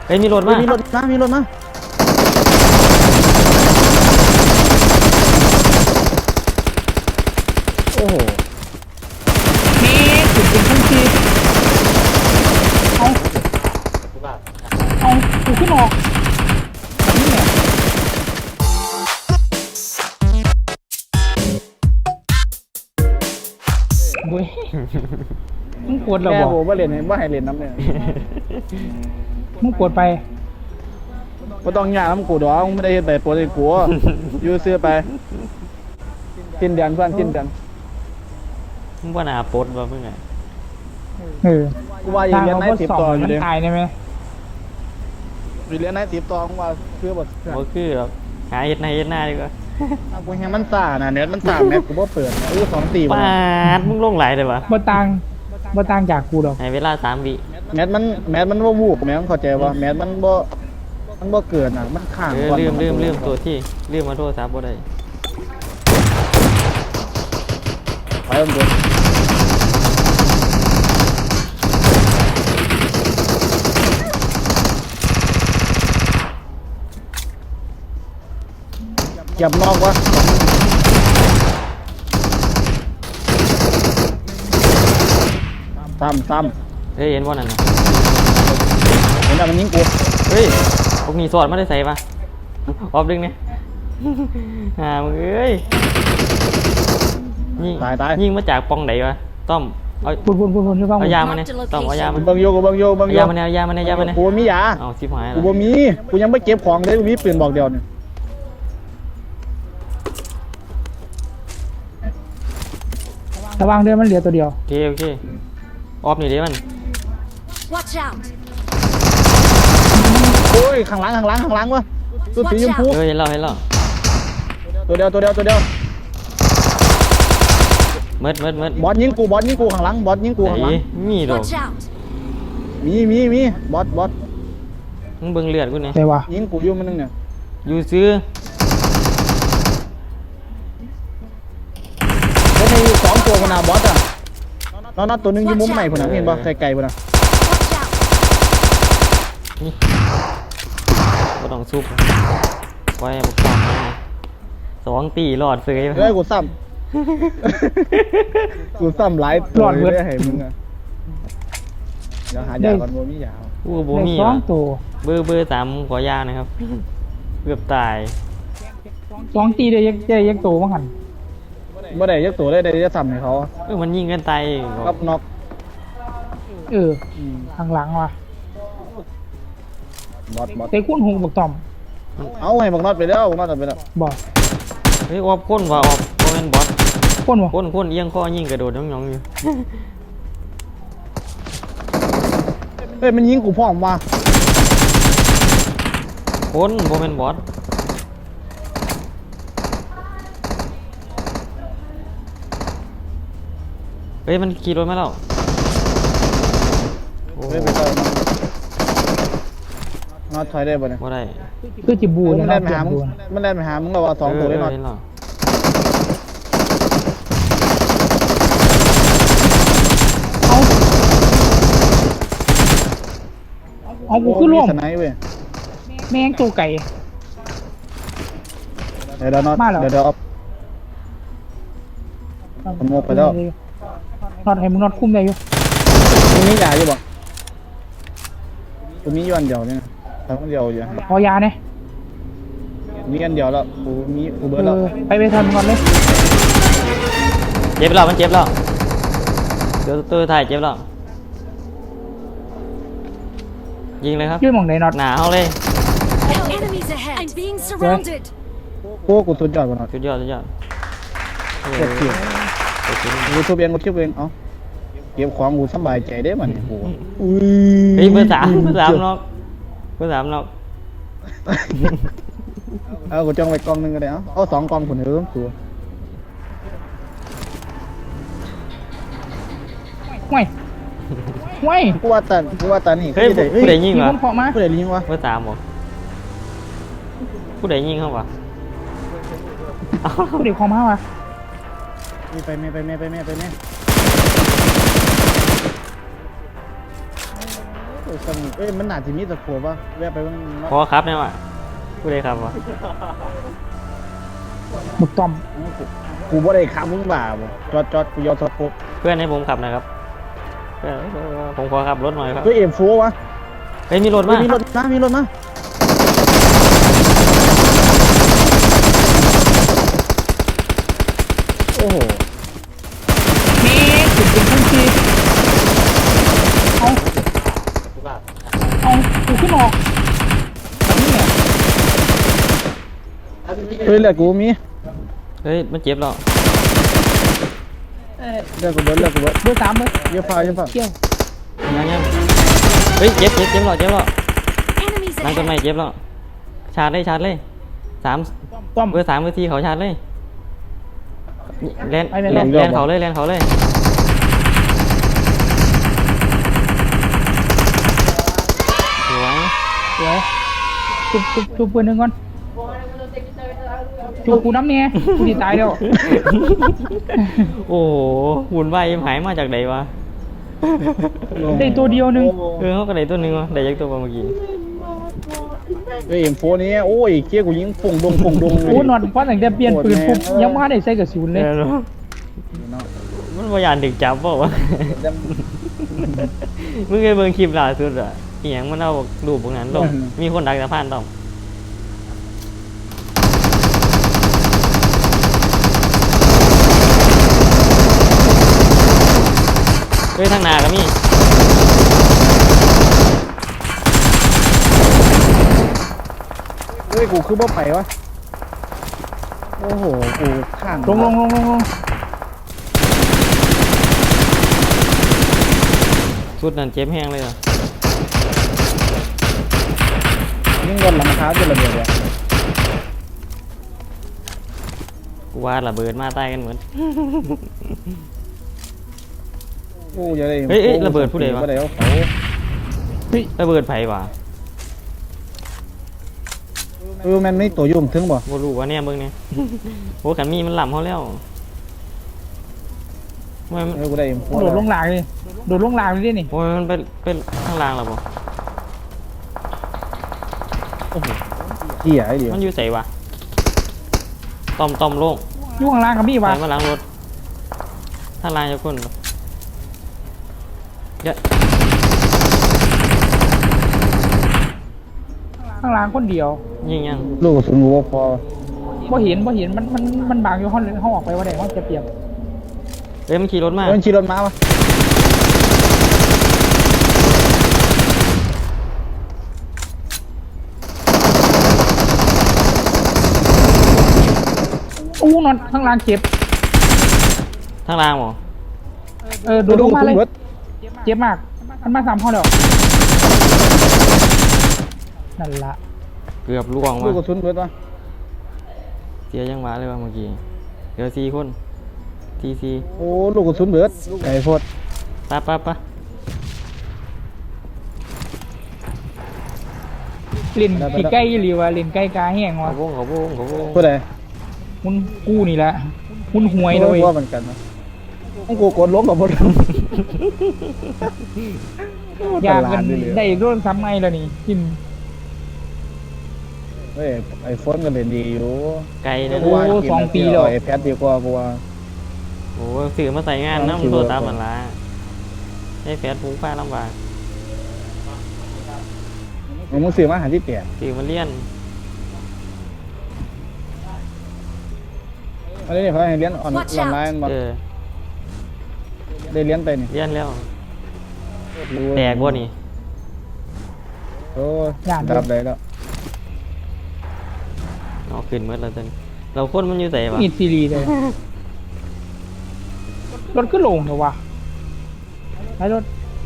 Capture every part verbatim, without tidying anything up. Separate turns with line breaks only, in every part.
เฮ้ยมีรถมา
มีรถมามีรถมาโอ้โห
นี่จุดเป็นขั้นทีเอาเอากูขึ้นออกแบบนี้แหละเว้ยมึงปวดเหรอ
แม่
บอก
ผมว่าเรียนว่าให้เรียนน้ำเนี่ย
มึงปวดไป
ก็ต้องยากน้ำกูดอกไม่ได้เห็นแต่ปวดในกูยื้อเสื้อไปกินเดือนเพื่อนกินเดือน
มึงว่าหนาปดวะมึงไง
เออ
กูว่าอย่างเรียนในสิบต่ออยู่
มัน
เลย
ตายได้ไหม
อยู่เรียนในสิบต่อกูว่าเสื้อบท
บ่คือหรอกหาเฮ็ดในเฮ็ดหน้าดีกว่า
กูแฮมันซ่านะเน็ตมันซ่าแม็กกูว่าเปิดนะอู้สองตี
ปาดมึงลงไหลเลยวะ
บ่ต่างบ่ต่างจากกูหรอก
ให้เวลาสามวิ
แมทมันแมทมันว่าวูบแมทมันเข้าใจว่าแมทมันบ่มันบ่เกิดอ่ะมันข้าง
เออลืมลืมลืมตัวที่ลืมมาโทรศัพท์บ่ได้
ไปมันโดนเก็บนอกวะซ้ำซ้ำ
เฮ้ยเห็นว่านั่นน่ะ
เห็นแต่มันยิงกู
เฮ้ยพวกนี้สอดไม่ได้ใส่ปะออฟดึงเนี่ยหามึงเอ้ยยิง
ตายตาย
ยิงมาจากปองไหนวะต้อมเอา
พูดพูดพูดพูดให้ฟัง
เอายามาเนี่ยต้อมเอายามา
บังโยกูบังโยบัง
เอา
โย
ยามาเนี่ยเอายามาเนี่ยเอายามาเนี่ย
กูมียา
เอาชิบหาย
กู
แล้ว
บ่มีกูยังไม่เก็บของเลยกูมีปืนบอกเดียวเนี่ย
ระวังเดือนมันเหลือตัวเดียว
โอเคโอเคออฟนี่เดี๋ยวมัน
Watch out!
โอ้ยข้างหลังข้างหลังข้างหลังวะตัวสีชมพู
เออเห็นแล้วเห็นแล้ว
ตัวเดียวตัวเดียวตัวเดียว
เมิดเมิดเมิด
บอสยิงกูบอสยิงกูข้างหลังบอสยิงกูข้างหลัง
ไหนมีดอก
Watch out!
มีมีมีบอสบอส
มึงเบิ่งเลือดกูเนี่ย
แต่ว่า
ยิงกูอยู่มันนึงเนี่ย
อยู่ซื้อ
แล้วมีสองตัวคนน่ะบอสอ่ะนอนตัวนึงอยู่มุมใหม่คนน่ะเห็นป่ะไกลๆคนน่ะ
Watch out!
นี่ก็ต้องซุปไว้บุกความสองตีหลอดเสย
เฮ้ยกูซ้ำกูซ้ำหลายตัวเลยให้มึงอ่ะเดี๋ยวหายาก่อนบ่มียา
กูโบ
ได้
มี
สอ
วะ
งตัว
เบอร์เบอร์สามขอยานะครับ เกือบตาย
สองตีได้ยักได้ยักโตมั้งหัน
บ่ได้ยักตัวได้ได้จะซ้ำให้เขา
เออมันยิงกันตาย
กับน็อก
เออข้างหลังว่ะ
บอสบอส
เตะคุ้นหงบักต่อม
เอาให้บักน็อตไปแล้วบักน็อตไปแล้ว
บอก
เฮ้ยออบค้นว่ะออบโมเมนบอส
คุ้นวะ
ค้นค้นเอียงข้อยิงกระโดดน้องๆอยู่
เฮ้ยมันยิงกูพร้อมว่ะ
ค้นโมเมนบอสเฮ้ยมันขี่รถมาแล้วโอ้
เฮ้ยไปเจอน็อตถอยได้ป่ะเนี่ย
บ่ได้
คือจิบู
มัน
นะ
เล่นไป
เปลี่ย
หาน มึง
บูน
มันเล่นไปหามึงเราว่าสองตัวได้น็อต
เห็นหรอ
เอาเอากูขึ้นร่วม
สไนเว้ย
แม่งตัวไก่
เดี๋ยวน็อต
มาเหรอ
เดี๋ยวเดี๋ยวเอา สมมุติไปแล้ว
นอดให้มึงนอดคุ้มได้อยู่
มึงมียาอยู่บ่กูมีอยู่อันเดียวเนี่ยทำอันเดียวอยู่
ขอยาเนี่ย
มีอันเดียวแล้วกูมีกูเบิ
เอ
ร์ดแล้ว
อไปไปทันก่อนเลย
เจ็บแล้วมันเจ็บแล้วเดี๋ยวตัวถ่ายเจ็บแล้วยิงเลยครับ
ยื่นหมองไหนนอด
หนาเอาเลย
Enemies ahead! I'm being surrounded!
โอ้กูสุดยอดกว่าน็อต
สุดยอดสุดยอดเออ
เก็บเก็บ
เออเก็บ
กูทุบเองกูทุบเองเอ้าเก็บของกูสบายใจได้มันกูอุ้ย
เฮ้ยเบอร์สามเบอร์สามนอกเบอร์สามนอก
เอากูจ้องไปกล้องนึงก็ได้เอ้าเอาสองกล้องคนเดิมตัว
ห่วยห่วย
กูว่าตันกูว่าตันนี่
เฮ้ย
กู
ผู้ใดยิง
มี
วะ
คนเคาะมา
กูได้ยิงวะ
เบอร์สามเหรอผู้ใดยิงเขาวะเอา
ผู้เด็กเคาะมาวะ
มีไปแม่ไปแม่ไปแม่ไปแม่โอ้ยสนุกเอ้ยมันหนาจะมีตะโขบวะแวะไปบ้าง
พอครับเนี่ยว่ะผู้ใดครับวะ
หมึกต้อม
กูกูบ่ได้ขับมึงบ่าบ่จอดจอดกูยอมสะโพก
เพื่อนให้ผมขับนะครับเพื่อนผมขอขับรถหน่อยครับ
เฮ้ยเอ็มโฟวะ
เฮ้ยมีรถ
เฮ้
มาย
มีรถมามีรถมาโอ้โห
นี่ถึงเป็นพุ่งชีเอาเอากูขึ้นออกนี่ไง
เฮ้ยเลือดกูมี
เฮ้ยมันเจ็บแล้ว
เออ
เลือดกูเบิดเลือดกูเบิด
เบอร์สามเลย
เยอะฟ้าเยอะฟ้า
เกี่ยว
ยังยังเฮ้ยเจ็บเจ็บเจ็บแล้วเจ็บแล้ว
Enemies
นั่งต้นไม้
ahead!
เจ็บแล้วชาร์จเลยชาร์จเลยสาม
ต้อม
เบอร์สามเบอร์สี่เขาชาร์จเลยแลน
ไปเลย
แลนแลนเขาเลยแลนเขาเลยสวย
เดี๋ยวจุบจุบจุบปืนหนึ่งก่อนจุบกูน้ำเนี่ยกูดีตายแล้ว
โอ้โหหุ่นวายหายมาจากไหนวะ
ได้ตัวเดียวหนึง
เออเขาก็ได้ตัวหนึงวะได้ยักตัวเมื่อกี้
เฮ้ยเอ็มโฟนี้โอ้ยเกี้ยกูยิงฟงดงฟงดงเลย
โอ้นอนเพราะตั้งแต่เปลี่ยนปืนปุ๊บยังไม่ได้ใส่กระสุนเลย
เออเนอะมันพยายามดึกจับเปล่าวะ มึงเคยเบิ่งคลิปล่าสุดอ่ะอีหยังมันเอารูปพวกนั้นลงมีคนดักสะพานต้องเฮ้ยทางหนาก็มี
เฮ้ยกูคือบ่ไปวะโอ้โหกูข้าง
ลงลงลงลงลง
ชุดนั้นเจ็บแห้งเลยอ่ะ
ยิงบนหลังเท้าจนระเบิดเลย
กูว่าระเบิดมาใต้กันเหมือน
โอ้ยอะไร
เฮ้ยเฮ้ยระเบิดผู้ใดวะ
ผู้ใดเอาเขา
เฮ้ย
ระเบิดไผวะ
เออมันไม่ตัวยุ่มถึงบ่
บ่รู้ว่าเนี่ยเบิ่งเนี่ย โอ้ขันมีมันหล่ำเขาแล้วโอ้ยมัน
เออกูได้เอ็มโฟ
โดดลงหลางเลยโดดลงหลางเลยดินี่
โอ้ยมันเป็นเป็นข้างล่างแล้วบ่
เหี้ยไอ้เดียว
มันอยู่ใส่วะต้อมต้อมโล่ง
อยู่ข้างล่างกับพี่
ไป
วะ
มาหลังรถถ้าลายจะคนเยอะ
ข้างล่างคนเดียว
ยิงยัง
ลูกกระสุนกูบ่พอ
บ่เห็นบ่เห็นมันมันมันบางอยู่ห้องเลยห้องออกไปว่าได้ห้องจะเปรียบ
เอ้ยมันขี่รถมา
เฮ้ยขี่รถมาวะ
อู้นอนข้างล่างเจ็บ
ทางล่างบ่
เออโดดลงมาเลย
บิด
เจ็บมากมันมาสามห้องแล้วนั่นละ
เกือบล่วง
ลูกก
ว่ะ
ระสุนเบิดวะ
เสียยังหวะเลยว่ะเมื่อกี้เดี๋ยวสี่คนทีซี
โอ้ลูกกระสุนเบิดไก่โพด
ปะปะปะ
เล่นขี่ใกล้หรือว่าเล่นใกล้กาแห้ง
เขา
วะ
วงเขาวงเขาวง
ผู้ใด
มุนกู้นี่แหละมุนหวยเลย
ว่าเหมือนกันนะต้องกูกดล้มกับพวก
อยากกันได้อีกรุ่นซ้ำไงแล้วนี่กิน
เฮ้ยไอโฟนก็เล่นดีอยู่
ไกลนะ
โอ้สองปีแล้ว
ไอแพดดีกว่ากูว่า
โอ้สื่อมาใส่งานน้ำตัวตามมันละให้แฟนฟุ้งฟ้าลำบาก
มึงซื้อมาหาที่เปลี่ยน
สื่อมาเลี่ยน
อันนี้เขาให้เลี้ยนออน
Watch
ออนไลน์มา
เออ
ได้เลี้ยนไปนี่
เลี่ยนแล้วแตกบ่นี่
โอ้ดับได้แล้ว
เอาขึ้นเมื่อเราจนเราคนมันอยู่ใส่ปะ
มีซีรีส์เลยรถก็ลงเหรอวะไอ้รถ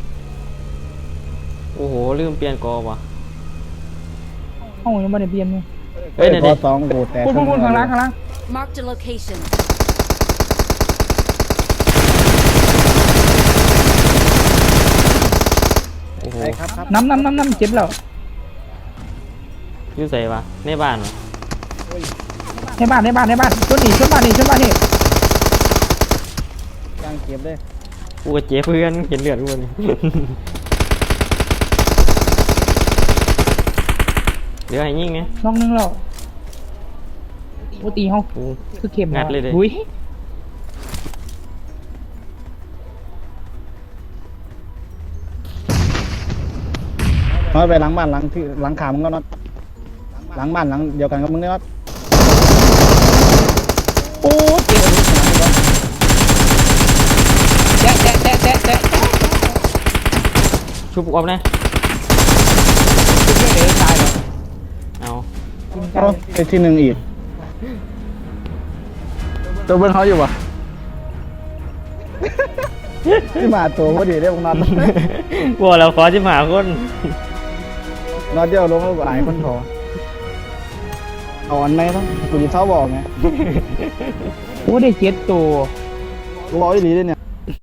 โอ้โหลืมเปลี่ยนกอวะ
ห้องยังไม่ได้เปลี่ยนเลย
เฮ้ยเดี๋ยว
พ
ดิ
อสองกูแตก
พูดพูดพูดข้างล่างข้างล่าง
Marked a location.
โอ้โห
ใช่ครับครับ
น้ำน้ำน้ำน้ำเจ็บแล้ว
อยู่ใส่ปะในบ้านวะ
ในบ้านในบ้านในบ้านชนนี่ชนบ้านนี่ชนบ้านนี่
ย่างเก็บเลย
กูกับเจ๊เพื่อนเห็นเลือดกูนี่เดี๋ยวให้ยิงไง
น้องนึงแล้วโอ้ตีเฮา
กู
คือเข็ม
งัดเลยเด้
อุ้ย
น้อยไปหลังบ้านหลังที่หลังขามึงก็น็อตหลังบ้านหลังเดียวกันกับมึงเนี่ยน็อต
โอ้เจ็บแตะแตะแตะแตะแตะ
ชุบออกนะ
คือเดี๋ยวตายแล้ว
เอา
กิน
โอ้
กัน
ไอ้ที่หนึ่งอีกตัวเบิ้ลเขาอยู่ปะ ที่มาตัวพอดีได้พวกน็อต
บอกเราขอจิมหาคน
น็อตเดียวลงแล้วก็หายคนถออ่อนไหมต้องกูจะเท้าบอกไง
โอ้ได้เจ็ดตัว
ร้อยหลีเลยเนี่ย